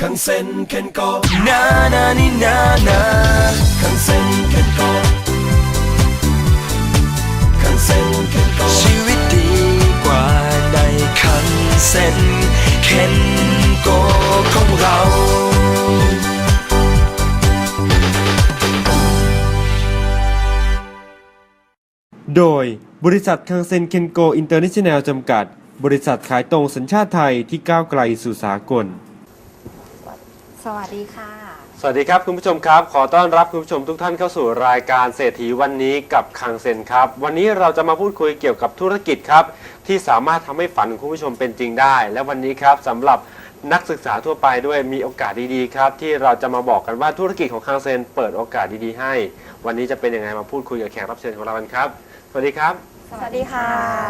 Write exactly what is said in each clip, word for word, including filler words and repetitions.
คังเซ็นเคนโกนานานี่นานาคังเซ็นเคนโกคังเซ็นเคนโกชีวิตดีกว่าในคังเซ็นเคนโกของเราโดยบริษัทคังเซ็นเคนโกอินเตอร์เนชั่นแนลจำกัดบริษัทขายตรงสัญชาติไทยที่ก้าวไกลสู่สากลสวัสดีค่ะสวัสดีครับคุณผู้ชมครับขอต้อนรับคุณผู้ชมทุกท่านเข้าสู่รายการเศรษฐีวันนี้กับคังเซ็นครับวันนี้เราจะมาพูดคุยเกี่ยวกับธุรกิจครับที่สามารถทำให้ฝันของคุณผู้ชมเป็นจริงได้และวันนี้ครับสำหรับนักศึกษาทั่วไปด้วยมีโอกาสดีๆครับที่เราจะมาบอกกันว่าธุรกิจของคังเซ็นเปิดโอกาสดีๆให้วันนี้จะเป็นยังไงมาพูดคุยกับแขกรับเชิญของเรากันครับสวัสดีครับสวัสดีค่ะ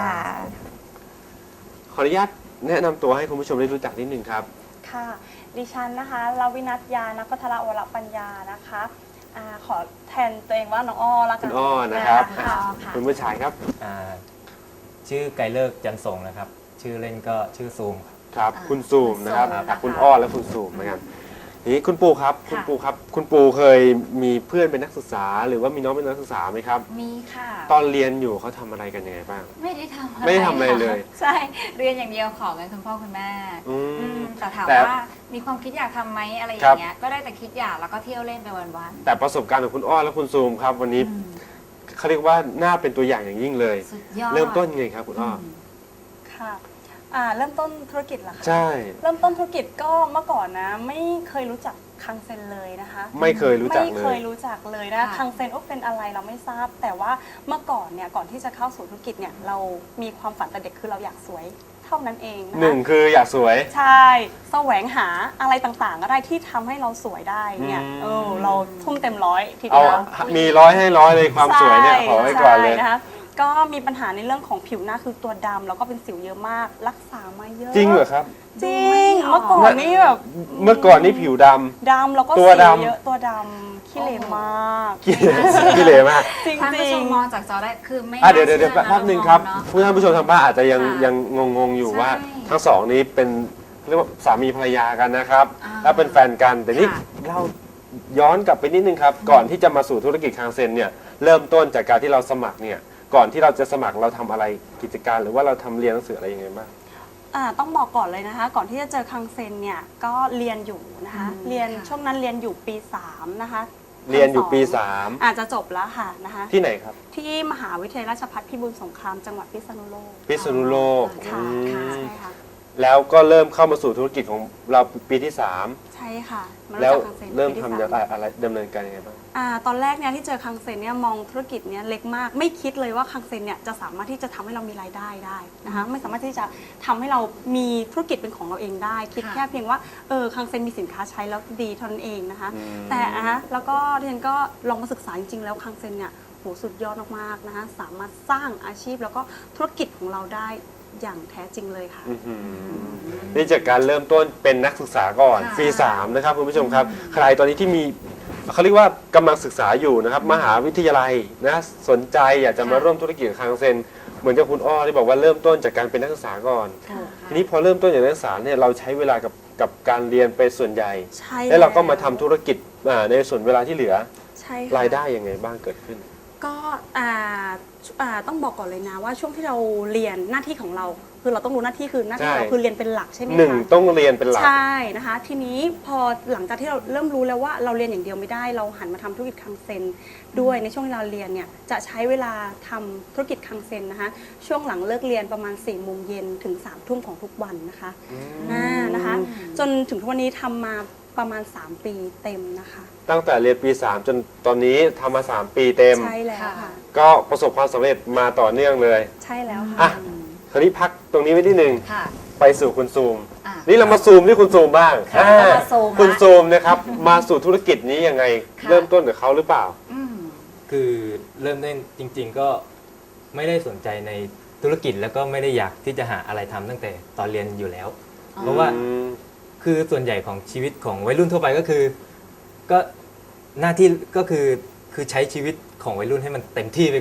ขออนุญาตแนะนำตัวให้คุณผู้ชมได้รู้จักนิดนึงครับค่ะดิฉันนะคะลาวินัทยานักพัทรวรปัญญานะคะอ่าขอแทนตัวเองว่าน้องอ้อละกันคุณอ้อนะครับค่ะคุณผู้ชายครับชื่อไกรเลิกจันทรงนะครับชื่อเล่นก็ชื่อซูมครับคุณซูมนะครับคุณอ้อและคุณซูมเหมือนกันนี่คุณปูครับคุณปูครับคุณปูเคยมีเพื่อนเป็นนักศึกษาหรือว่ามีน้องเป็นนักศึกษาไหมครับมีค่ะตอนเรียนอยู่เขาทำอะไรกันยังไงบ้างไม่ได้ทำอะไรไม่ได้ทำอะไรเลยใช่เรียนอย่างเดียวขอเงินคุณพ่อคุณแม่แต่ถามว่ามีความคิดอยากทำไหมอะไรอย่างเงี้ยก็ได้แต่คิดอยากแล้วก็เที่ยวเล่นไปวันๆแต่ประสบการณ์ของคุณอ้อและคุณซูมครับวันนี้เขาเรียกว่าน่าเป็นตัวอย่างอย่างยิ่งเลยเริ่มต้นไงครับคุณอ้อค่ะอ่าเริ่มต้นธุรกิจเหรอคะใช่เริ่มต้นธุรกิจก็เมื่อก่อนนะไม่เคยรู้จักคังเซ็นเลยนะคะไม่เคยรู้จักเลยไม่เคยรู้จักเลยนะคังเซ็นว่าเป็นอะไรเราไม่ทราบแต่ว่าเมื่อก่อนเนี่ยก่อนที่จะเข้าสู่ธุรกิจเนี่ยเรามีความฝันแต่เด็กคือเราอยากสวยเท่านั้นเองนะคะหนึ่งคืออยากสวยใช่แสวงหาอะไรต่างๆก็ได้ที่ทำให้เราสวยได้เนี่ยเออเราทุ่มเต็มร้อยทีเดียวมีร้อยให้ร้อยเลยความสวยเนี่ยขอไว้ก่อนเลยนะคะก็มีปัญหาในเรื่องของผิวหน้าคือตัวดำแล้วก็เป็นสิวเยอะมากรักษามาเยอะจริงเหรอครับจริงเมื่อก่อนนี่แบบเมื่อก่อนนี่ผิวดำดำแล้วก็สิวเยอะตัวดำขี้เหร่มากขี้เหร่มากจริงๆท่านผู้ชมมองจากจอได้คือไม่เดี๋ยวเดี๋ยวแป๊บนึงครับผู้ท่านผู้ชมทางบ้านอาจจะยังยังงงๆอยู่ว่าทั้งสองนี้เป็นเรียกว่าสามีภรรยากันนะครับและเป็นแฟนกันแต่นี่เล่าย้อนกลับไปนิดนึงครับก่อนที่จะมาสู่ธุรกิจคังเซ็นเนี่ยเริ่มต้นจากการที่เราสมัครเนี่ยก่อนที่เราจะสมัครเราทำอะไรกิจการหรือว่าเราทำเรียนหนังสืออะไรยังไงบ้างอ่าต้องบอกก่อนเลยนะคะก่อนที่จะเจอคังเซ็นเนี่ยก็เรียนอยู่นะคะเรียนช่วงนั้นเรียนอยู่ปีสามนะคะเรียนอยู่ปีสามอาจจะจบแล้วค่ะนะคะที่ไหนครับที่มหาวิทยาลัยราชภัฏพิบูลสงครามจังหวัดพิษณุโลกพิษณุโลกค่ะใช่ค่ะแล้วก็เริ่มเข้ามาสู่ธุรกิจของเราปีที่สามใช่ค่ะแล้วเริ่มทำอะไรอะไรดำเนินการยังไงบ้างอ่าตอนแรกเนี่ยที่เจอคังเซ็นเนี่ยมองธุรกิจเนี่ยเล็กมากไม่คิดเลยว่าคังเซ็นเนี่ยจะสามารถที่จะทำให้เรามีรายได้ได้นะคะไม่สามารถที่จะทำให้เรามีธุรกิจเป็นของเราเองได้คิดแค่เพียงว่าเออคังเซ็นมีสินค้าใช้แล้วดีเท่านั้นเองนะคะแต่อ่ะแล้วก็เรียนก็ลองมาศึกษาจริงๆแล้วคังเซ็นเนี่ยโหสุดยอดมากๆนะคะสามารถสร้างอาชีพแล้วก็ธุรกิจของเราได้อย่างแท้จริงเลยค่ะนี่จากการเริ่มต้นเป็นนักศึกษาก่อนปีสามนะครับคุณผู้ชมครับใครตอนนี้ที่มีเขาเรียกว่ากำลังศึกษาอยู่นะครับมหาวิทยาลัยนะสนใจอยากจะมาร่วมธุรกิจคังเซ็นเหมือนกับคุณอ้อที่บอกว่าเริ่มต้นจากการเป็นนักศึกษาก่อนทีนี้พอเริ่มต้นจากนักศึกษาเนี่ยเราใช้เวลากับกับการเรียนไปส่วนใหญ่แล้วเราก็มาทำธุรกิจในส่วนเวลาที่เหลือรายได้ยังไงบ้างเกิดขึ้นก็ต้องบอกก่อนเลยนะว่าช่วงที่เราเรียนหน้าที่ของเราคือเราต้องรู้หน้าที่คือหน้าที่เราคือเรียนเป็นหลักใช่ไหมคะหนึ่งต้องเรียนเป็นหลักใช่นะคะทีนี้พอหลังจากที่เราเริ่มรู้แล้วว่าเราเรียนอย่างเดียวไม่ได้เราหันมาทำธุรกิจคังเซ็นด้วยในช่วงที่เราเรียนเนี่ยจะใช้เวลาทำธุรกิจคังเซ็นนะคะช่วงหลังเลิกเรียนประมาณสี่โมงเย็นถึงสามทุ่มของทุกวันนะคะนะคะจนถึงทุกวันนี้ทำมาประมาณสามปีเต็มนะคะตั้งแต่เรียนปีสามจนตอนนี้ทำมาสามปีเต็มใช่แล้วค่ะก็ประสบความสำเร็จมาต่อเนื่องเลยใช่แล้วค่ะอ่ะคราวนี้พักตรงนี้ไว้นิดนึงไปสู่คุณซูมนี่เรามาซูมที่คุณซูมบ้างคุณซูมนะครับมาสู่ธุรกิจนี้ยังไงเริ่มต้นกับเขาหรือเปล่าคือเริ่มต้นจริงๆก็ไม่ได้สนใจในธุรกิจแล้วก็ไม่ได้อยากที่จะหาอะไรทำตั้งแต่ตอนเรียนอยู่แล้วเพราะว่าคือส่วนใหญ่ของชีวิตของวัยรุ่นทั่วไปก็คือก็หน้าที่ก็คือคือใช้ชีวิตของวัยรุ่นให้มันเต็มที่ไปก่อนอ่ะ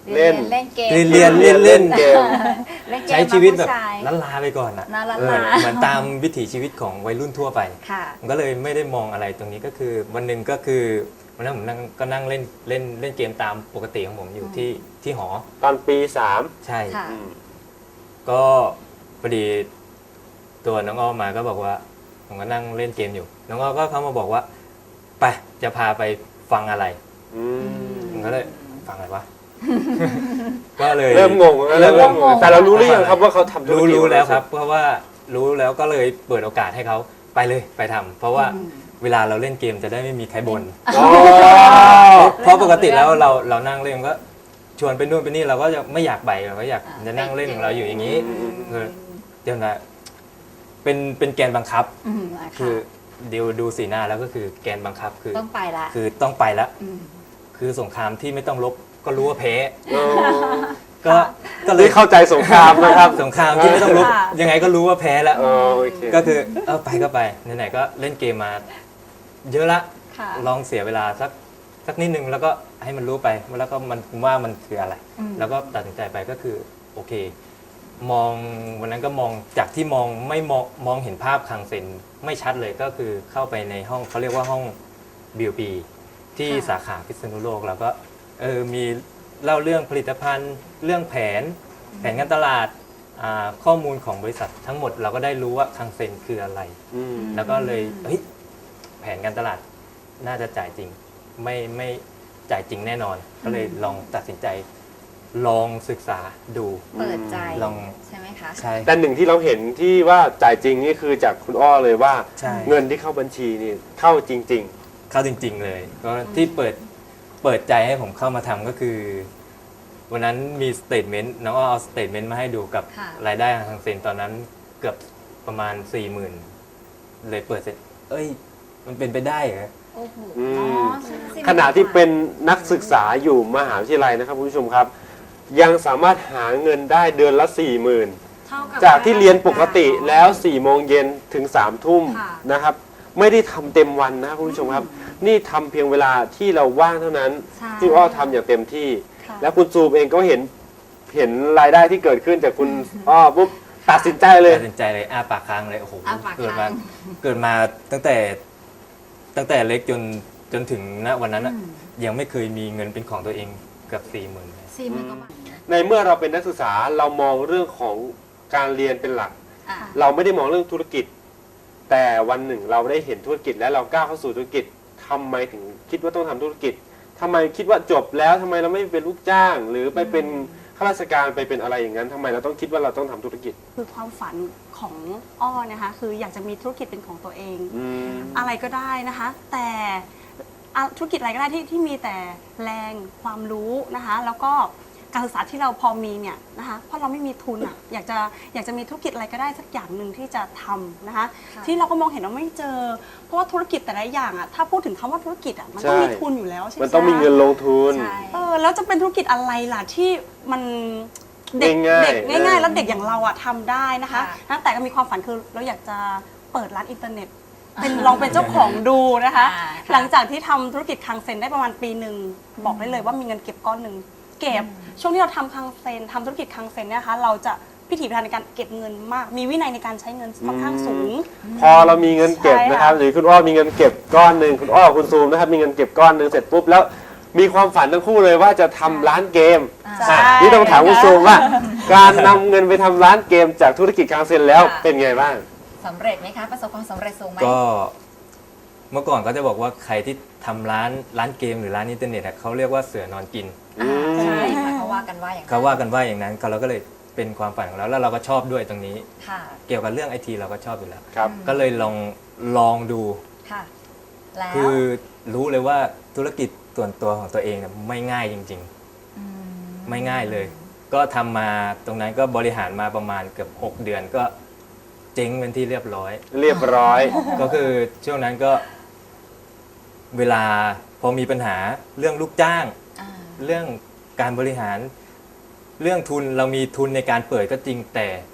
เล่นเล่นเกมเรียนเล่นเล่นเกมเล่นเกมใช้ชีวิตแบบผู้ชายล้านลาไปก่อนอ่ะน่ารักเออเหมือนตามวิถีชีวิตของวัยรุ่นทั่วไปค่ะผมก็เลยไม่ได้มองอะไรตรงนี้ก็คือวันหนึ่งก็คือวันนั้นผมนั่งก็นั่งเล่นเล่นเล่นเกมตามปกติของผมอยู่ที่ที่หอตอนปีสามใช่ค่ะอืมก็พอดีตัวน้องอ้อมาก็บอกว่าผมก็นั่งเล่นเกมอยู่ น้องอ้อก็เข้ามาบอกว่าไปจะพาไปฟังอะไรอืมผมก็เลยฟังอะไรวะ ก็เลยเริ่มงงเริ่มงงแต่เรารู้หรือยังครับว่าเขาทำธุรรู้กิจรู้แล้วครับ เพราะว่ารู้แล้วก็เลยเปิดโอกาสให้เขาไปเลยไปทำเพราะว่าเวลาเราเล่นเกมจะได้ไม่มีใครบ่นอ๋อเพราะปกติแล้วเราเรานั่งเล่นก็ชวนไปนู่นไปนี่เราก็จะไม่อยากไปเราก็อยากจะนั่งเล่นของเราอยู่อย่างนี้เออเดี๋ยวนะเป็นเป็นแกนบังคับอืมะคือเดี๋ยวดูสีหน้าแล้วก็คือแกนบังคับคือต้องไปละคือต้องไปแล้วมคือสงครามที่ไม่ต้องรบก็รู้ว่าแพ้อ๋อก็ก็เลนี่ยเข้าใจสงครามนะครับสงครามที่ไม่ต้องรบค่ะยังไงก็รู้ว่าแพ้แล้วอ๋อโอเคก็คือเออไปก็ไปไหนๆก็เล่นเกมมา เยอะละค่ะลองเสียเวลาสักสักนิดนึงแล้วก็ให้มันรู้ไปแล้วก็มันว่ามันคืออะไรอืมแล้วก็ตัดสินใจไปก็คือโอเค มองวันนั้นก็มองจากที่มองไม่มองมองเห็นภาพคังเซ็นไม่ชัดเลยก็คือเข้าไปในห้องเขาเรียกว่าห้องบิวปีที่ค่ะสาขาพิษณุโลกแล้วก็เออมีเล่าเรื่องผลิตภัณฑ์ เรื่องแผน แผนการตลาดอ่าข้อมูลของบริษัททั้งหมดเราก็ได้รู้ว่าคังเซ็นคืออะไรอืมแล้วก็เลยเฮ้ยแผนการตลาดน่าจะจ่ายจริง ไม่ไม่จ่ายจริงแน่นอน ก็เลยลองตัดสินใจ ลองศึกษาดูเปิดใจลองใช่ไหมคะใช่แต่หนึ่งที่เราเห็นที่ว่าจ่ายจริงนี่คือจากคุณอ้อเลยว่าใช่เงินที่เข้าบัญชีนี่เข้าจริงเข้าจริง ๆ เลยก็ที่เปิดเปิดใจให้ผมเข้ามาทำก็คือ วันนั้นมีสเตทเมนต์น้องอ้อเอาสเตทเมนต์มาให้ดูกับค่ะรายได้ทางเซ็นตอนนั้นเกือบประมาณสี่หมื่นเลยเปิดเสร็จ เอ้ย มันเป็นไปได้เหรอโอ้โหอืมอ๋อใช่สิๆ ขณะที่เป็นนักศึกษาอยู่มหาวิทยาลัยนะครับคุณผู้ชมครับ ยังสามารถหาเงินได้เดือนละสี่หมื่นเท่กับจากที่เรียนปกติแล้วสี่โมงเย็นถึงสามทุ่มค่ะนะครับ ไม่ได้ทำเต็มวันนะครับคุณผู้ชมครับ นี่ทำเพียงเวลาที่เราว่างเท่านั้นใช่ที่อ้อทำอย่างเต็มที่ค่ะแล้วคุณซูมเองก็เห็นเห็นรายได้ที่เกิดขึ้นจากคุณอ้อปุ๊บตัดสินใจเลยตัดสินใจเลยอ้าปากค้างเลยโอ้โหอ้าปากเกิดค้ามาง เกิดมาตั้งแต่ตั้งแต่เล็กจนจนถึงณวันนั้นอะอืมยังไม่เคยมีเงินเป็นของตัวเองเกือบสี่หมื่นสี่หมื่นกว่าบาทในเมื่อเราเป็นนักศึกษาเรามองเรื่องของการเรียนเป็นหลักอ่ะเราไม่ได้มองเรื่องธุรกิจ แต่วันหนึ่งเราได้เห็นธุรกิจและเราก้าวเข้าสู่ธุรกิจทำไมถึงคิดว่าต้องทำธุรกิจทำไมคิดว่าจบแล้วทำไมเราไม่เป็นลูกจ้าง หรือไปเป็นข้าราชการไปเป็นอะไรอย่างนั้นทำไมเราต้องคิดว่าเราต้องทำธุรกิจคือความฝันของอ้อนะคะคืออยากจะมีธุรกิจเป็นของตัวเองอืมอะไรก็ได้นะคะ แต่อ่ะธุรกิจอะไรก็ได้ที่ที่มีแต่แรงความรู้นะคะ แล้วก็การศึกษาที่เราพอมีเนี่ยนะคะเพราะเราไม่มีทุนอ่ะอยากจะอยากจะมีธุรกิจอะไรก็ได้สักอย่างหนึ่งที่จะทำนะคะค่ะที่เราก็มองเห็นว่าไม่เจอ เพราะว่าธุรกิจแต่ละอย่างอ่ะถ้าพูดถึงคำว่าธุรกิจอ่ะมันต้องใช่มีทุนอยู่แล้วใช่ไหมมันต้องมีเงินลงทุนใช่เออแล้วจะเป็นธุรกิจอะไรล่ะที่มันเด็กง่ายๆเด็กง่ายเออๆ แล้วเด็กอย่างเราอ่ะทำได้นะคะค่ะนะแต่ก็มีความฝันคือเราอยากจะเปิดร้านอินเทอร์เน็ต เป็นลองเป็นเจ้าของดูนะคะอ่าค่ะหลังจากที่ทำธุรกิจคังเซ็นได้ประมาณปีหนึ่งบอกได้เลยว่ามีเงินเก็บก้อนหนึ่งเก็บช่วงที่เราทำคังเซ็นทำธุรกิจคังเซ็นเนี่ยนะคะเราจะพิถีพิถันในการเก็บเงินมาก มีวินัยในการใช้เงินค่อนข้างสูงพอเรามีเงินเก็บนะครับใช่ค่ะหรือคุณอ้อมีเงินเก็บก้อนหนึ่งคุณอ้อคุณซูมนะครับมีเงินเก็บก้อนหนึ่งเสร็จปุ๊บแล้วมีความฝันทั้งคู่เลยว่าจะทำร้านเกมใช่อ่ะนี่ต้องถามคุณซูมว่า การนำเงินไปทำร้านเกมจากธุรกิจคังเซ็นแล้วค่ะเป็นไงบ้างสำเร็จไหมคะ ประสบความสำเร็จสูงไหมก็เมื่อก่อนก็จะบอกว่าใครที่ทำร้านร้านเกมหรือร้านอินเทอร์เน็ตอะเขาเรียกว่าเสือนอนกินอ่าใช่ค่ะเขาว่ากันว่าอย่างนั้นเขาว่ากันว่าอย่างนั้นเราก็เลยเป็นความฝันของเราแล้วเราก็ชอบด้วยตรงนี้ค่ะเกี่ยวกับเรื่องไอทีเราก็ชอบอยู่แล้วครับก็เลยลองลองดูค่ะ แล้วคือรู้เลยว่าธุรกิจส่วนตัวของตัวเองเนี่ยไม่ง่ายจริงมๆ ไม่ง่ายเลย ก็ทำมาตรงนั้นก็บริหารมาประมาณเกือบหกเดือนก็เจ๊งเป็นที่เรียบร้อยเรียบร้อยก็คือช่วงนั้นก็ เวลาพอมีปัญหาเรื่องลูกจ้างอ่าเรื่องการบริหาร เรื่องทุนเรามีทุนในการเปิดก็จริงแต่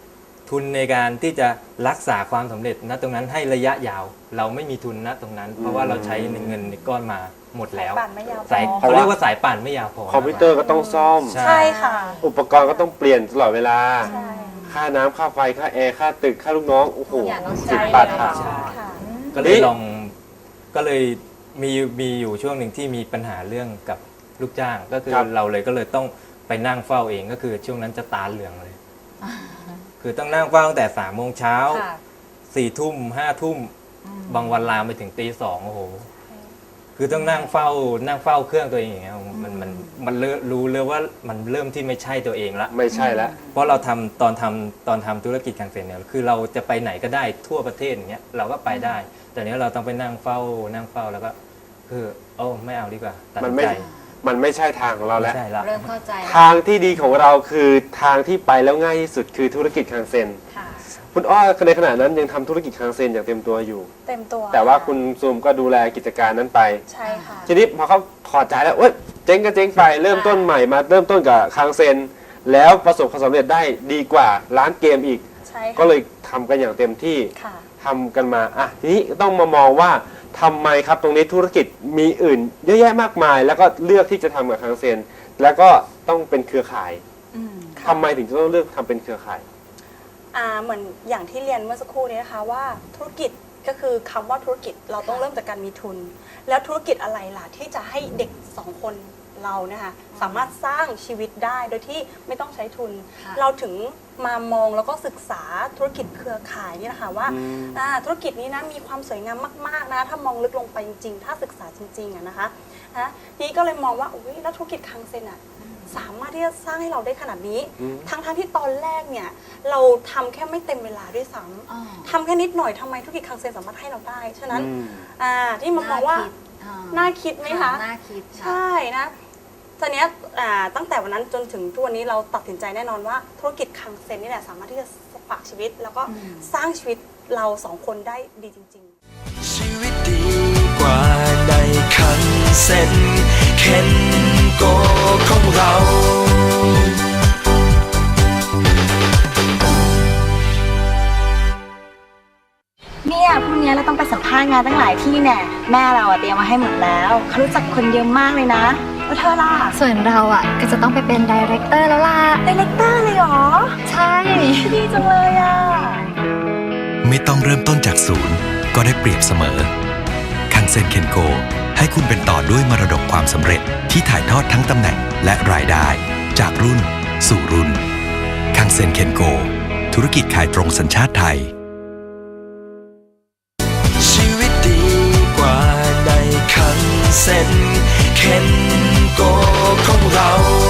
ทุนในการที่จะรักษาความสำเร็จณตรงนั้นให้ระยะยาว เราไม่มีทุนณตรงนั้น เพราะว่าเราใช้เงินก้อนมาหมดแล้วปั่นไม่ยาวพอสายเขาเรียกว่าสายป่านไม่ยาวพอคอมพิวเตอร์ก็ต้องซ่อมใช่ใช่ค่ะอุปกรณ์ก็ต้องเปลี่ยนตลอดเวลาใช่ค่าน้ำค่าไฟค่าแอร์ค่าตึกค่าลูกน้องโอ้โหอย่างต้องสิใช้บบาทเลยค่ะเหรอค่ะก็เลยลองก็เลยมีมีอยู่ช่วงหนึ่งที่มีปัญหาเรื่องกับลูกจ้าง ก็คือครับเราเลยก็เลยต้องไปนั่งเฝ้าเองก็คือช่วงนั้นจะตาเหลืองเลย คือต้องนั่งเฝ้าตั้งแต่สามโมงเช้าค่ะสี่ทุ่มห้าทุ่มอืมบางวันลามไปถึงตีสองโอ้โห คือต้องนั่งเฝ้านั่งเฝ้าเครื่องตัวเองอย่างเงี้ยมันมันมันเริ่มรู้เลยว่ามันเริ่มที่ไม่ใช่ตัวเองละไม่ใช่แล้วเพราะเราทำตอนทำตอนทำธุรกิจคังเซ็นเนี่ยคือเราจะไปไหนก็ได้ทั่วประเทศอย่างเงี้ยเราก็ไปได้ แต่เนี้ยเราต้องไปนั่งเฝ้านั่งเฝ้าแล้วก็คือโอ้ไม่เอาดีกว่าตัดมันสินไม่ใจมันไม่ใช่ทางของเราไม่แล้วใช่ละเริ่มเข้าใจแล้วทางที่ดีของเราคือทางที่ไปแล้วง่ายที่สุดคือธุรกิจคังเซ็นค่ะคุณอ้อในขณะนั้นยังทำธุรกิจคังเซ็นอย่างเต็มตัวอยู่เต็มตัวแต่ว่าคุณซูมก็ดูแลกิจการนั้นไปใช่ค่ะทีนี้พอเขาถอดใจแล้วเอ้ยเจ๊งก็เจ๊งไปเริ่มต้นใหม่มาเริ่มต้นกับคังเซ็นแล้วประสบความสำเร็จได้ดีกว่าร้านเกมอีกใช่ก็ค่ะเลยทำกันอย่างเต็มที่ค่ะทำกันมาอ่ะทีนี้ต้องมามองว่าทำไมครับตรงนี้ธุรกิจมีอื่นเยอะแยะมากมาย แล้วก็เลือกที่จะทำกับคังเซ็นแล้วก็ต้องเป็นเครือข่ายอืมทำไมถึงจะต้องเลือกทำเป็นเครือข่ายอ่าเหมือนอย่างที่เรียนเมื่อสักครู่นี้นะคะว่าธุรกิจก็คือคำว่าธุรกิจเราต้องเริ่มจากการมีทุน แล้วธุรกิจอะไรล่ะที่จะให้เด็กสองคนเราเนี่ยค่ะสามารถสร้างชีวิตได้โดยที่ไม่ต้องใช้ทุนค่ะเราถึงมามองแล้วก็ศึกษาธุรกิจเครือข่ายนี่นะคะว่าอืมอ่าธุรกิจนี้นะมีความสวยงามมากๆนะถ้ามองลึกลงไปจริงๆ ถ้าศึกษาจริงๆอะนะคะนะนี่ก็เลยมองว่าอุ้ยแล้วธุรกิจคังเซ็นอะสามารถที่จะสร้างให้เราได้ขนาดนี้อืมทั้งๆที่ตอนแรกเนี่ยเราทำแค่ไม่เต็มเวลาด้วยซ้ำอ๋อทำแค่นิดหน่อยทำไมธุรกิจคังเซ็นสามารถให้เราได้ ฉะนั้นอืมอ่าที่มามองว่าคิดอ่น่าคิดไหมคะน่าคิดค่ะใช่นะตอนเนี้ยอ่าตั้งแต่วันนั้นจนถึงทุกวันนี้เราตัดสินใจแน่นอนว่าธุรกิจคังเซ็นนี่แหละสามารถที่จะฝากชีวิต แล้วก็อืมสร้างชีวิตเราสองคนได้ดีจริง ๆชีวิตดีกว่าในคันเซ็นเคนโกของเราเนี่ยพรุ่งนี้เราต้องไปสัมภาษณ์งานตั้งหลายที่แน่แม่เราอะเตรียมมาให้หมดแล้วเขารู้จักคนเยอะมากเลยนะแล้วเธอล่ะส่วนเราอ่ะก็จะต้องไปเป็นดีเรคเตอร์แล้วล่ะดีเลกเตอร์เลยเหรอใช่ดีจังเลยอ่ะไม่ต้องเริ่มต้นจากศูนย์ก็ได้เปรียบเสมอ คังเซ็นเคนโกให้คุณเป็นต่อด้วยมรดกความสำเร็จที่ถ่ายทอดทั้งตำแหน่งและรายได้ จากรุ่นสู่รุ่น คังเซ็นเคนโกธุรกิจขายตรงสัญชาติไทยชีวิตดีกว่าในคันเซ็นเคนโกของเรา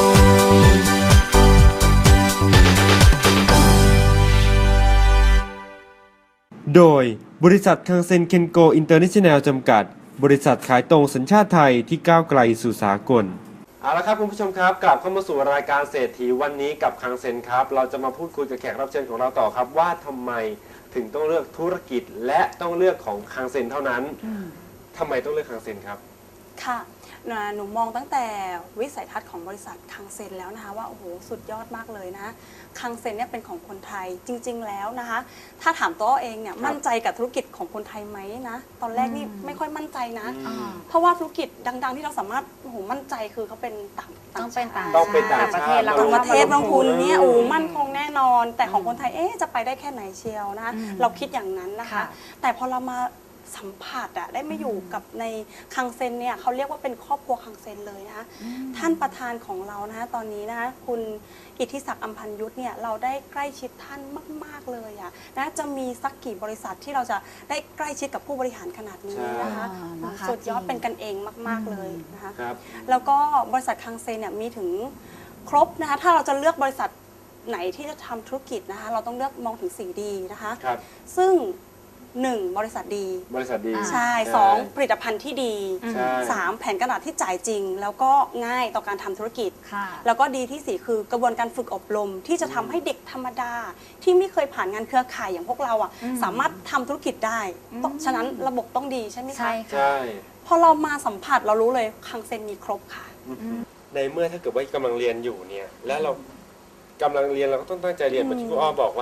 โดยบริษัทคังเซ็นเคนโกอินเตอร์เนชั่นแนลจำกัด บริษัทขายตรงสัญชาติไทยที่ก้าวไกลสู่สากลเอาละครับคุณผู้ชมครับกลับเข้ามาสู่รายการเศรษฐีวันนี้กับคังเซ็นครับเราจะมาพูดคุยกับแขกรับเชิญของเราต่อครับว่าทำไมถึงต้องเลือกธุรกิจและต้องเลือกของคังเซ็นเท่านั้นทำไมต้องเลือกคังเซ็นครับค่ะนะหนูมองตั้งแต่วิสัยทัศน์ของบริษัทคังเซ็นแล้วนะคะว่าโอ้โหสุดยอดมากเลยนะคังเซ็นเนี่ยเป็นของคนไทยจริง ๆ แล้วนะคะ ถ้าถามตัวเองเนี่ยมั่นใจกับธุรกิจของคนไทยไหมนะตอนแรกนี่ไม่ค่อยมั่นใจนะอ่าเพราะว่าธุรกิจดัง ๆ ที่เราสามารถโอ้โหมั่นใจคือเขาเป็นต่างต้องเป็นต่างต้องเป็นต่างประเทศชาติแล้วต่างประเทศก็บางทุนเนี่ยโอ้อืมมั่นคงแน่นอน แต่ของคนไทยเอ๊ะจะไปได้แค่ไหนเชียวนะคะอืมเราคิดอย่างนั้นนะคะค่ะแต่พอเรามาสัมผัสอะได้มาอยู่กับในคังเซ็นเนี่ยเขาเรียกว่าเป็นครอบครัวคังเซ็นเลยนะคะท่านประธานของเรานะคะตอนนี้นะคะคุณอิทธิศักดิ์อัมพันยุทธเนี่ยเราได้ใกล้ชิดท่านมากๆเลยอะนะจะมีสักกี่บริษัทที่เราจะได้ใกล้ชิดกับผู้บริหารขนาดนี้นะคะใช่นะคะสุดยอดจริงเป็นกันเองมาก ๆเลยนะคะครับแล้วก็บริษัทคังเซนเนี่ยมีถึงครบนะคะ ถ้าเราจะเลือกบริษัทไหนที่จะทำธุรกิจนะคะ เราต้องเลือกมองถึง สี่ ดี นะคะครับซึ่ง หนึ่ง บริษัทดีบริษัทดีใช่ สอง ผลิตภัณฑ์ที่ดีใช่สาม แผนการตลาดที่จ่ายจริง แล้วก็ง่ายต่อการทำธุรกิจค่ะแล้วก็ดีที่สี่คือกระบวนการฝึกอบรม ที่จะทำให้เด็กธรรมดา ที่ไม่เคยผ่านงานเครือข่ายอย่างพวกเราอ่ะอืมสามารถทำธุรกิจได้ต้องฉะนั้นระบบต้องดีใช่ไหมคะใช่ค่ะใช่พอเรามาสัมผัสเรารู้เลยคังเซนมีครบค่ะในเมื่อถ้าเกิดว่ากำลังเรียนอยู่เนี่ยและเรากำลังเรียนเราก็ต้องตั้งใจเรียนเหมือนที่คุณอ้อบอกว่า แต่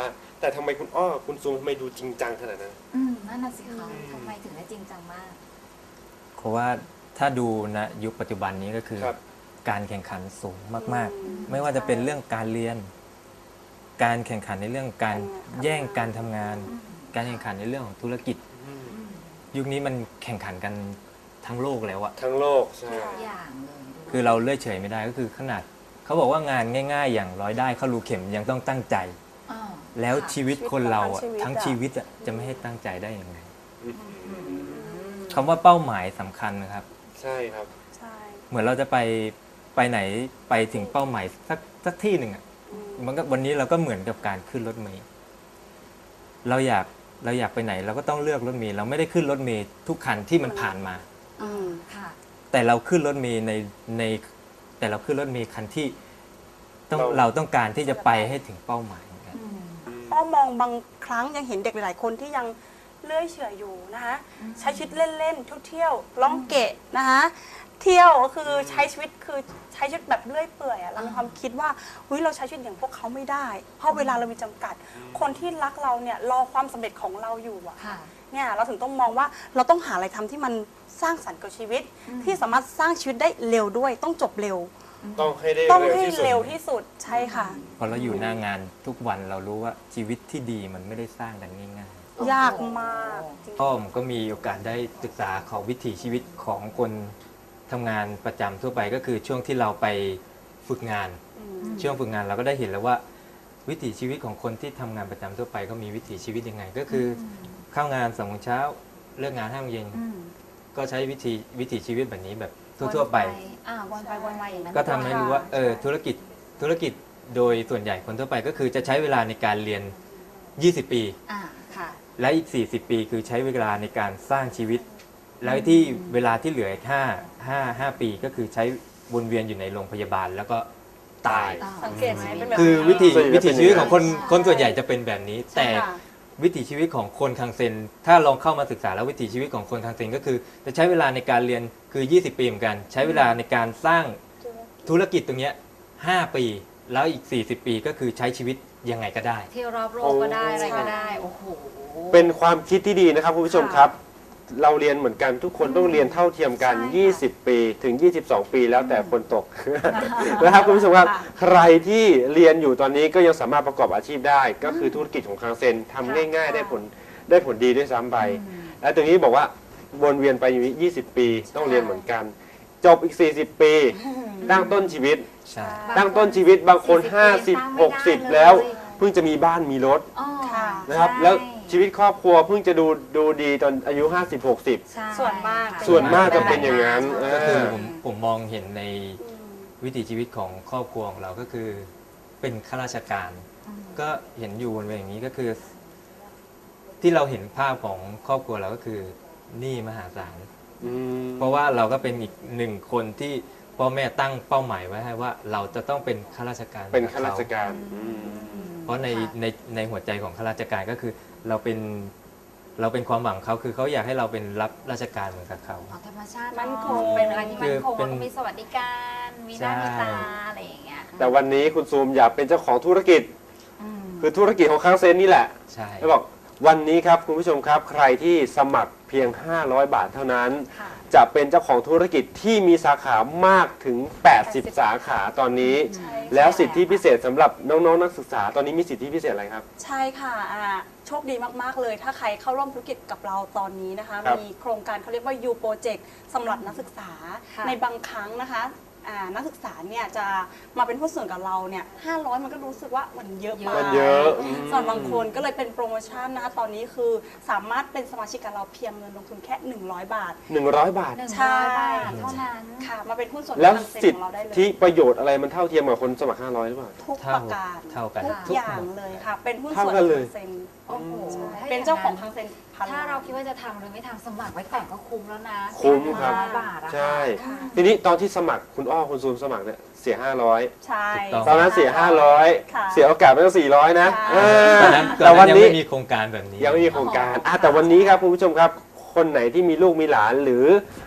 แต่ทำไมคุณอ้อคุณซูมทำไมดูจริงจังขนาดนั้นอืมนั่นน่ะสิคะทำไมถึงได้จริงจังมากเพราะว่าถ้าดูณยุคปัจจุบันนี้ก็คือครับการแข่งขันสูงมากๆ ไม่ว่าจะเป็นเรื่องการเรียน การแข่งขันในเรื่องการแย่งการทำงาน การแข่งขันในเรื่องของธุรกิจ ยุคนี้มันแข่งขันกันทั้งโลกแล้วอะทั้งโลกใช่ทุกอย่างเลยด้วยคือเราเลื่อยเฉยไม่ได้ก็คือขนาดเขาบอกว่างานง่ายๆ อย่างร้อยได้เข้ารูเข็มยังต้องตั้งใจอ้าวแล้วค่ะชีวิตคนเราอะชีวิตทั้งอะชีวิตอะจะไม่ให้ตั้งใจได้ยังไงคำว่าเป้าหมายสำคัญนะครับใช่ครับใช่เหมือนเราจะไปไปไหนไปถึงเป้าหมายสักสักที่หนึ่งอะมันก็วันนี้เราก็เหมือนกับการขึ้นรถเมล์เราอยากเราอยากไปไหนเราก็ต้องเลือกรถเมล์เราไม่ได้ขึ้นรถเมล์ทุกคันที่มันผ่านมาอืมค่ะแต่เราขึ้นรถเมล์ในในแต่เราขึ้นรถเมล์คันที่ต้องเราเราต้องการที่จะไปให้ถึงเป้าหมายเหมือนกันอ้อมองบางครั้งยังเห็นเด็กหลายๆคนที่ยังเลื่อยเฉอยอยู่นะคะใช้ชีวิตเล่นๆเที่ยวๆล่องเกะนะคะเที่ยวก็คือใช้ชีวิตคือใช้ชีวิตแบบเลื่อยเปื่อยอะเรามีความคิดว่าเฮ้ยเราใช้ชีวิตอย่างพวกเขาไม่ได้ เพราะเวลาเรามีจำกัด คนที่รักเราเนี่ยรอความสำเร็จของเราอยู่อะค่ะเนี่ยเราถึงต้องมองว่าเราต้องหาอะไรทำที่มันสร้างสรรค์กับชีวิต ที่สามารถสร้างชีวิตได้เร็วด้วย ต้องจบเร็วต้องให้ได้ต้องเร็วให้ที่สุดเร็วที่สุดใช่ค่ะพอเราอยู่หน้างานทุกวันเรารู้ว่าชีวิตที่ดีมันไม่ได้สร้างกันง่ายยากมากจริงๆอ้อมก็มีโอกาสได้ศึกษาของวิถีชีวิตของคนทำงานประจำทั่วไปก็คือช่วงที่เราไปฝึกงาน ช่วงฝึกงานเราก็ได้เห็นแล้วว่า วิถีชีวิตของคนที่ทำงานประจำทั่วไปเขามีวิถีชีวิตยังไง ก็คืออเข้างานสองโมงเช้าเลิกงานห้าโมงเย็นอืมก็ใช้วิถีวิถีชีวิตแบบนี้แบบทั่วๆไปอ่าวนไปวนมาอย่างนั้นก็ทำให้รู้ว่าเออธุรกิจธุรกิจโดยส่วนใหญ่คนทั่วไปก็คือจะใช้เวลาในการเรียน ยี่สิบ ปีอ่าค่ะและอีก สี่สิบ ปีคือใช้เวลาในการสร้างชีวิต แล้วที่เวลาที่เหลืออีกห้า ห้า ห้าปีก็คือใช้วนเวียนอยู่ในโรงพยาบาลแล้วก็ตายสังเกตไหมเป็นแบบคือวิถีส่วนใหญ่วิถีชีวิตของคนใช่คนส่วนใหญ่จะเป็นแบบนี้ แต่ค่ะวิถีชีวิตของคนคังเซนถ้าลองเข้ามาศึกษาแล้ววิถีชีวิตของคนคังเซนก็คือจะใช้เวลาในการเรียนคือ ยี่สิบ ปีเหมือนกัน ใช้เวลาในการสร้างธุรกิจตรงเนี้ยห้าปี แล้วอีก สี่สิบ ปีก็คือใช้ชีวิตยังไงก็ได้เที่ยวรอบโลกก็ได้อะไรก็ได้ โอ้โหเป็นความคิดที่ดีนะครับคุณผู้ชมครับ เราเรียนเหมือนกันทุกคนต้องเรียนเท่าเทียมกันใช่ค่ะยี่สิบ ปีถึง ยี่สิบสอง ปีแล้วแต่คนตก นะครับคุณผู้ชมครับค่ะใครที่เรียนอยู่ตอนนี้ก็ยังสามารถประกอบอาชีพได้ ก็คือธุรกิจของคังเซนทำง่าย ๆ ได้ผลได้ผลดีด้วยซ้ำไป และตรงนี้บอกว่าวนเวียนไปอยู่ยี่สิบ ปีต้องเรียนเหมือนกัน จบอีก สี่สิบ ปีตั้งต้นชีวิตใช่ตั้งต้นชีวิตบางคนสี่สิบห้าสิบปีหกสิบตั้งไม่ได้เลยแล้วเพิ่งจะมีบ้านมีรถอ๋อค่ะนะครับใช่แล้วชีวิตครอบครัวเพิ่งจะดูดูดีตอนอายุ ห้าสิบ หกสิบใช่ส่วนมากค่ะส่วนมากจะเป็นอย่างนั้นก็คือเออผมผมมองเห็นในวิถีชีวิตของครอบครัวของเราก็คือเป็นข้าราชการ ก็เห็นอยู่บนเวอย่างนี้ก็คือ ที่เราเห็นภาพของครอบครัวเราก็คือหนี้มหาศาลอืมเพราะว่าเราก็เป็นอีกหนึ่งคนที่พ่อแม่ตั้งเป้าหมายไว้ให้ว่า เราจะต้องเป็นข้าราชการเป็นข้าราชเขการอืมเพราะในในในหัวใจของข้าราชการก็คือ เราเป็นเราเป็นความหวังเขาคือเขาอยากให้เราเป็นรับราชการเหมือนกับเขาอ๋อธรรมชาติมั่นคงเป็นอะไรที่มั่นคงคือเป็นแล้วก็มีสวัสดิการ มีหน้าใช่มีตาอะไรอย่างเงี้ยแต่วันนี้คุณซูมอยากเป็นเจ้าของธุรกิจอืมคือธุรกิจของคังเซนนี่แหละใช่แล้วบอกวันนี้ครับคุณผู้ชมครับ ใครที่สมัครเพียง ห้าร้อยบาทเท่านั้นค่ะจะเป็นเจ้าของธุรกิจที่มีสาขามากถึง แปดสิบ สาขาตอนนี้ใช่แล้วสิทธิพิเศษสำหรับน้องๆนักศึกษาตอนนี้มีสิทธิพิเศษอะไรครับใช่ค่ะอ่าโชคดีมาก ๆ เลย ถ้าใครเข้าร่วมธุรกิจกับเราตอนนี้นะคะครับมีโครงการเขาเรียกว่า U Project สำหรับนักศึกษาค่ะในบางครั้งนะคะอ่านักศึกษาเนี่ยจะมาเป็นผู้นส่วนกับเราเนี่ยห้าร้อยมันก็รู้สึกว่ามันเยอะมากมันเยอะอืมส่วนบางคนก็เลยเป็นโปรโมชั่นนะคะ ตอนนี้คือสามารถเป็นสมาชิกกับเราเพียงเงินลงทุนแค่ หนึ่งร้อย บาทหนึ่งร้อยบาทหนึ่งใช่ร้อยบาทเท่านั้นค่ะ มาเป็นหุ้นส่วนแล้วทางเซ็นสิทของเราได้เลยธิประโยชน์อะไรมันเท่าเทียมกับคนสมัคร ห้าร้อย หรือเปล่าทุกเท่าประการเท่ากันทุกทุกอย่างหมดเลยค่ะ เป็นหุ้นเท่าส่วนกันเลยทางเซ็นโอ้โหใช่ถ้าเป็นเจ้าของทางเซ็นพันถ้าเราคิดว่าจะทำหรือไม่ทำสมัครไว้ก่อนก็คุ้มแล้วนะคุ้มครับร้อยบาทอะใช่ค่ะทีนี้ตอนที่สมัครคุณอ้อคุณซูมสมัครเนี่ยเสีย ห้าร้อยใช่ถูกต้องตอนนั้นเสีย ห้าร้อยค่ะเสียโอกาสไปตั้งสี่ร้อยนะใช่เออตอนนั้นแต่วันนี้ยังไม่มีโครงการแบบนี้ยังไม่มีโครงการอ่ะแต่วันนี้ครับคุณผู้ชมครับ คนไหนที่มีลูกมีหลานหรือ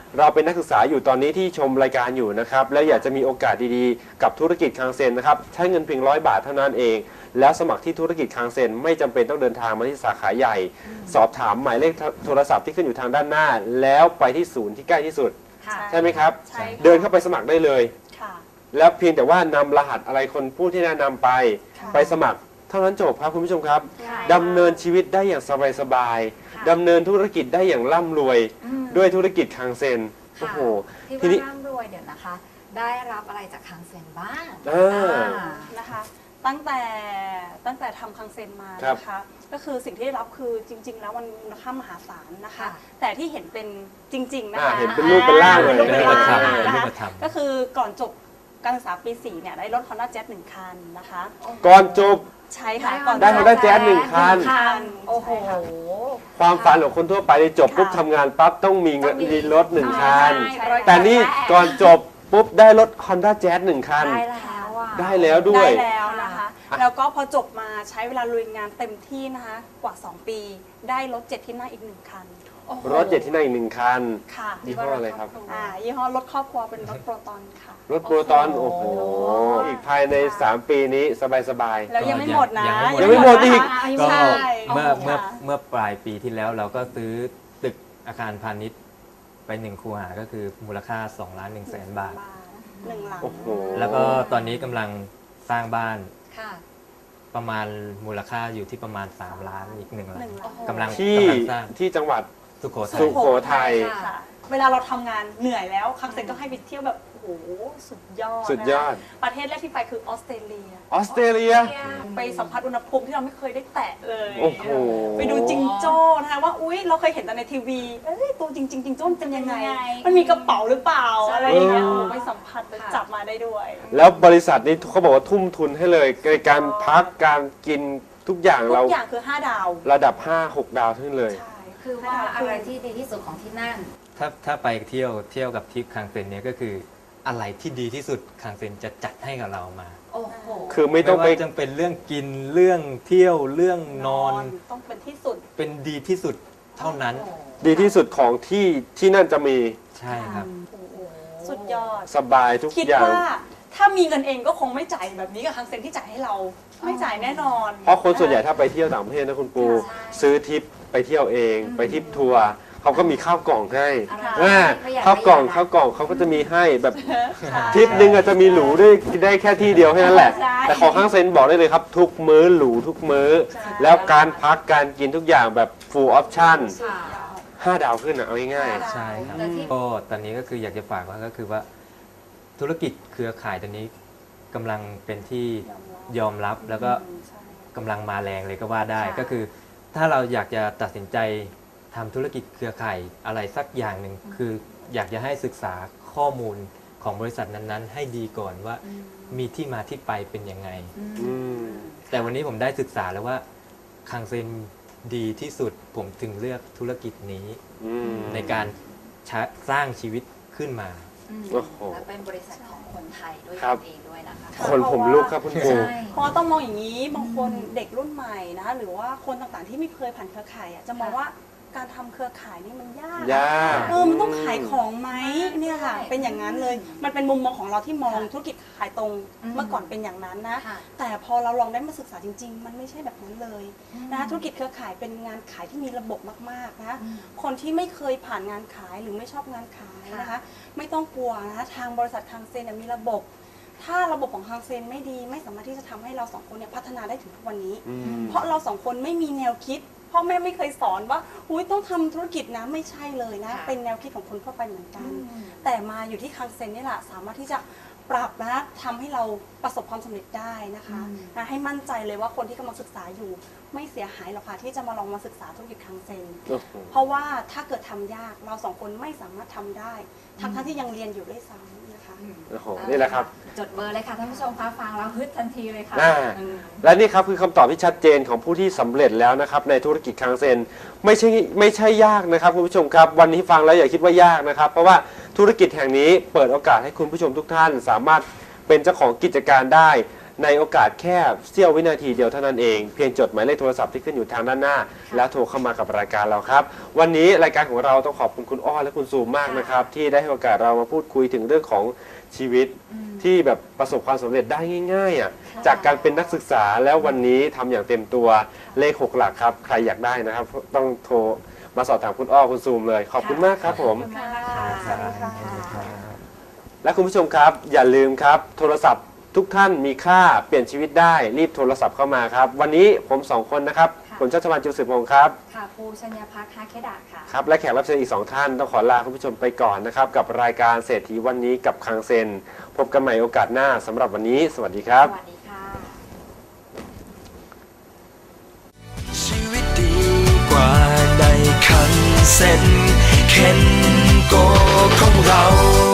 เราเป็นนักศึกษาอยู่ตอนนี้ที่ชมรายการอยู่นะครับแล้วอยากจะมีโอกาสดีๆกับธุรกิจคังเซ็นนะครับใช้เงินเพียงร้อยบาทเท่านั้นเองแล้วสมัครที่ธุรกิจคังเซ็นไม่จำเป็นต้องเดินทางมาที่สาขาใหญ่ สอบถามหมายเลขโทรศัพท์ที่ขึ้นอยู่ทางด้านหน้า แล้วไปที่ศูนย์ที่ใกล้ที่สุดค่ะใช่ไหมครับใช่ค่ะเดินเข้าไปสมัครได้เลยค่ะแล้วเพียงแต่ว่านำรหัสอะไรคนผู้ที่แนะนำไปค่ะไปสมัครเท่านั้นจบครับคุณผู้ชมครับค่ะดำเนินชีวิตได้อย่างสบายค่ะๆดำเนินธุรกิจได้อย่างร่ำรวยอืมด้วยธุรกิจคังเซ็นโอ้ค่ะโหที่ทีนี้ว่าร่ำรวยเดี๋ยวนะคะ ได้รับอะไรจากคังเซ็นบ้างอ่าอ่านะคะตั้งแต่ตั้งแต่ทำคังเซ็นมาครับนะคะก็คือสิ่งที่ได้รับคือจริง ๆ แล้วมันมูลค่ามหาศาลนะคะค่ะแต่ที่เห็นเป็นจริง ๆ นะอ่าคะเห็นเป็นรูปเป็นร่างเลยป็นรูปเป็นร่างเป็นรูปธรรมนะเป็นรูคะปธรรมก็คือก่อนจบการศึกษาปีสี่เนี่ยได้รถ Honda Jazz หนึ่งคันนะคะก่อนจบใช่ค่ะได้ก่อนได้จบ Honda Jazz หนึ่งคันคันโอ้โหใช่ค่ะความฝันของคนทั่วไปที่จบปุ๊บค่ะทำงานปั๊บต้องมีเงินต้องมีมีรถหนึ่งคันใช่แต่นี่ก่อนจบปุ๊บได้รถ Honda Jazz หนึ่งคันได้แล้วอ่ะได้แล้วด้วยได้แล้วนะคะอ่ะแล้วก็พอจบมาใช้เวลาลุยงานเต็มที่นะคะกว่า สอง ปี ได้รถเจ็ดที่นั่งอีกหนึ่งคันโอ้โหรถเจ็ดที่นั่งอีกหนึ่งคันค่ะยี่ห้ออะไรครับอ่ายี่ห้อรถครอบครัวเป็นรถโปรตอนค่ะรถโปรตอนโอ้โห อีกภายใน สาม ปีนี้สบายแล้วยังไม่หมดนะยังไม่หมดอีกยังก็ไม่หมดนะเมื่อใช่เมื่อค่ะเมื่อปลายปีที่แล้วเราก็ซื้อตึกอาคารพาณิชย์ไปหนึ่งคูหาก็คือมูลค่า2ล้าน1แสนบาทหนึ่งหลังโอ้โหแล้วก็ตอนนี้กำลังสร้างบ้านค่ะประมาณมูลค่าอยู่ที่ประมาณสามล้านอีกหนึ่งหลัหนึ่งงหลังกำลังที่กำลังสร้างที่จังหวัดสุโขทัสุยโขทัยค่ะ เวลาเราทำงานเหนื่อยแล้วคังเซ็นก็ให้ไปเที่ยวแบบ โอ้โห สุดยอดสุดยอดนะคะประเทศแรกที่ไปคือออสเตรเลียออสเตรเลียไปสัมผัสอุณหภูมิที่เราไม่เคยได้แตะเลยโอ้โหไปดูจิงโจ้นะคะว่าอุ๊ยเราเคยเห็นแต่ในทีวีเอ้ยตัวจริงๆจิงโจ้มันเป็นยังไงเป็นยังไงมันมีกระเป๋าหรือเปล่าอะไรอย่างเงี้ยเออโอ้โหไปสัมผัสไปจับมาได้ด้วยแล้วบริษัทนี้เขาบอกว่าทุ่มทุนให้เลยในการพักการกินทุกอย่างทุเรากอย่างคือห้าดาวระดับ ห้าหก ดาวขึ้นเลยใช่คือว่าอะไรที่ดีที่สุดของที่นั่นถ้าถ้าไปเที่ยวเที่ยวกับทริปคังเซ็นเนี่ยก็คืออะไรที่ดีที่สุดคังเซ็นจะจัดให้กับเรามาโอ้โหคือไม่ต้องไปว่าจะเป็นเรื่องกินเรื่องเที่ยวเรื่องนอนต้องเป็นที่สุดเป็นดีที่สุดเท่านั้นดีที่สุดของที่ที่นั่นจะมีใช่ครับสุดยอดสบายทุกคิดอย่างว่าถ้ามีเงินเองก็คงไม่จ่ายแบบนี้กับคังเซ็นที่จ่ายให้เรา ไม่จ่ายแน่นอนเพราะคนส่วนใหญ่ถ้าไปเที่ยวต่างประเทศนะคุณปูใช่ซื้อทริปไปเที่ยวเอง ไปทริปทัวร์เขาก็มีข้าวกล่องให้อะไรอ่าประหยัดข้าวกล่องประหยัดข้าวกล่องเขาก็จะมีให้แบบค่ะทริปหนึ่งอาจจะมีหรูได้ได้แค่ที่เดียวแค่นั้นแหละใช่แต่ของข้างเซ็นบอกได้เลยครับ ทุกมื้อหรูทุกมื้อใช่แล้วการพักการกินทุกอย่างแบบ full option ค่ะห้าดาวขึ้นอ่ะเอาง่ายใช่ครับแต่ที่ก็ตอนนี้ก็คืออยากจะฝากว่าก็คือว่าธุรกิจเครือข่ายตอนนี้กำลังเป็นที่ยอมรับแล้วก็ใช่กำลังมาแรงเลยก็ว่าได้ค่ะก็คือ ถ้าเราอยากจะตัดสินใจทำธุรกิจเครือข่ายอะไรสักอย่างหนึ่งคืออยากจะให้ศึกษาข้อมูลของบริษัทนั้นๆ ให้ดีก่อนว่ามีที่มาที่ไปเป็นยังไงๆอืมแต่วันนี้ผมได้ศึกษาแล้วว่าคังเซ็นดีที่สุดผมถึงเลือกธุรกิจนี้อืมในการชะสร้างชีวิตขึ้นมาอืมโอ้โหและเป็นบริษัทของคนไทยด้วยครับเองด้วยนะคะคนผมลุกครับคุณปูใช่เพราะว่าต้องมองอย่างนี้บางคนเด็กรุ่นใหม่นะคะหรือว่าคนต่างๆที่ไม่เคยผ่านเครือข่ายอ่ะจะมองว่าการทำเครือข่ายนี่มันยากยากเออมันต้องขายของไหมเนี่ยค่ะใช่เป็นอย่างนั้นเลย มันเป็นมุมมองของเราที่มองค่ะธุรกิจขายตรงอืมเมื่อก่อนเป็นอย่างนั้นนะค่ะแต่พอเราลองได้มาศึกษาจริง ๆ มันไม่ใช่แบบนั้นเลยอืมนะธุรกิจเครือข่ายเป็นงานขายที่มีระบบมากๆนะอืมคนที่ไม่เคยผ่านงานขายหรือไม่ชอบงานขายนะคะค่ะไม่ต้องกลัวนะคะทางบริษัทคังเซนเนี่ยมีระบบ ถ้าระบบของคังเซนไม่ดีไม่สามารถที่จะทำให้เราสองคนเนี่ยพัฒนาได้ถึงทุกวันนี้อืมเพราะเราสองคนไม่มีแนวคิดพ่อแม่ไม่เคยสอนว่าอุ้ยต้องทำธุรกิจนะไม่ใช่เลยนะค่ะเป็นแนวคิดของคนทั่วไปเหมือนกันอืมแต่มาอยู่ที่คังเซนนี่แหละสามารถที่จะปรับนะทำให้เราประสบความสำเร็จได้นะคะอืมนะให้มั่นใจเลยว่าคนที่กำลังศึกษาอยู่ไม่เสียหายหรอกค่ะที่จะมาลองมาศึกษาธุรกิจคังเซนโอ้โหเพราะว่าถ้าเกิดทำยากเราสองคนไม่สามารถทำได้ทั้งทั้งที่ยังเรียนอยู่ด้วยซ้ำนะคะโอ้โหนี่แหละครับจดเบอร์เลยค่ะท่านผู้ชมคะฟังแล้วฮึดทันทีเลยค่ะอ่าอืมและนี่ครับคือคำตอบที่ชัดเจนของผู้ที่สำเร็จแล้วนะครับในธุรกิจคังเซนไม่ใช่ไม่ใช่ยากนะครับคุณผู้ชมครับวันนี้ฟังแล้วอย่าคิดว่ายากนะครับ เพราะว่าธุรกิจแห่งนี้เปิดโอกาสให้คุณผู้ชมทุกท่าน สามารถเป็นเจ้าของกิจการได้ในโอกาสแค่เสี้ยววินาทีเดียวเท่านั้นเองเพียงจดหมายเลขโทรศัพท์ที่ขึ้นอยู่ทางด้านหน้า แล้วโทรเข้ามากับรายการเราครับวันนี้รายการของเราต้องขอบคุณคุณอ้อและคุณซูมมากนะครับที่ได้ให้โอกาสเรามาพูดคุยถึงเรื่องของชีวิตที่แบบประสบความสำเร็จได้ง่ายๆอ่ะจากการเป็นนักศึกษาแล้ววันนี้ทำอย่างเต็มตัวเลขหกหลักครับใครอยากได้นะครับต้องโทรมาสอบถามคุณอ้อคุณซูมเลยขอบคุณมากครับผมขอบคุณมากค่ะและคุณผู้ชมครับอย่าลืมครับโทรศัพท์ทุกท่านมีค่าเปลี่ยนชีวิตได้รีบโทรศัพท์เข้ามาครับวันนี้ผมสองคนนะครับผมชัชวาล จุลสืบพงศ์ครับค่ะปูชัญญพักฮาเคดะค่ะครับและแขกรับเชิญอีกสองท่านต้องขอลาคุณผู้ชมไปก่อนนะครับกับรายการเศรษฐีวันนี้กับคังเซนพบกันใหม่โอกาสหน้าสำหรับวันนี้สวัสดีครับสวัสดีค่ะชีวิตดีกว่าในคันเซ็นเคนโกของเรา